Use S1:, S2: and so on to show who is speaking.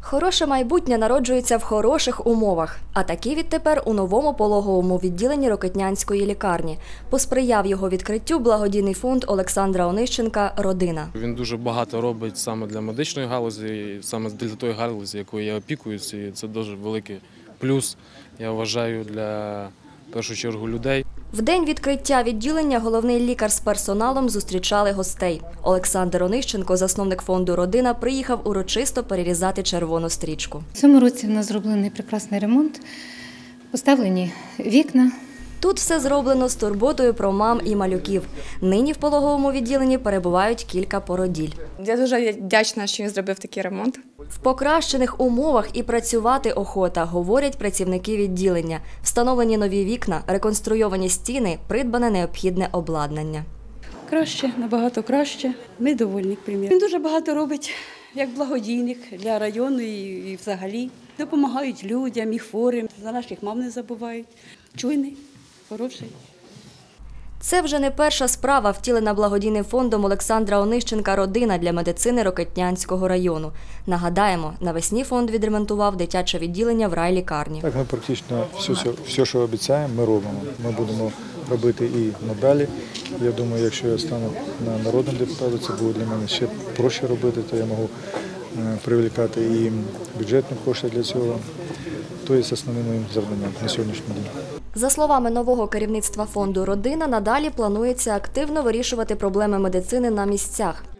S1: Хороше майбутнє народжується в хороших умовах, а такі відтепер у новому пологовому відділенні Рокитнянської лікарні. Посприяв його відкриттю благодійний фонд Олександра Онищенка «Родина».
S2: Він дуже багато робить саме для медичної галузі, саме для тої галузі, якою я опікуюся, і це дуже великий плюс, я вважаю, для, в першу чергу, людей.
S1: В день відкриття відділення головний лікар з персоналом зустрічали гостей. Олександр Онищенко, засновник фонду «Родина», приїхав урочисто перерізати червону стрічку.
S3: В цьому році в нас зроблений прекрасний ремонт, поставлені вікна.
S1: Тут все зроблено з турботою про мам і малюків. Нині в пологовому відділенні перебувають кілька породіль.
S4: Я дуже вдячна, що він зробив такий ремонт.
S1: В покращених умовах і працювати охота, говорять працівники відділення. Встановлені нові вікна, реконструйовані стіни, придбане необхідне обладнання.
S5: Краще, набагато краще. Ми довольні, примір. Він дуже багато робить, як благодійник для району і взагалі. Допомагають людям і хворим, за наших мам не забувають. Чуйний, хороший.
S1: Це вже не перша справа, втілена благодійним фондом Олександра Онищенка «Родина» для медицини Рокитнянського району. Нагадаємо, навесні фонд відремонтував дитяче відділення в райлікарні.
S6: Так, ми практично все, що обіцяємо, ми робимо. Ми будемо робити і надалі. Я думаю, якщо я стану народним депутатом, це буде для мене ще проще робити, то я можу привлекати і бюджетні кошти для цього. То є основним моїм завданням на сьогоднішній день.
S1: За словами нового керівництва фонду «Родина», надалі планується активно вирішувати проблеми медицини на місцях.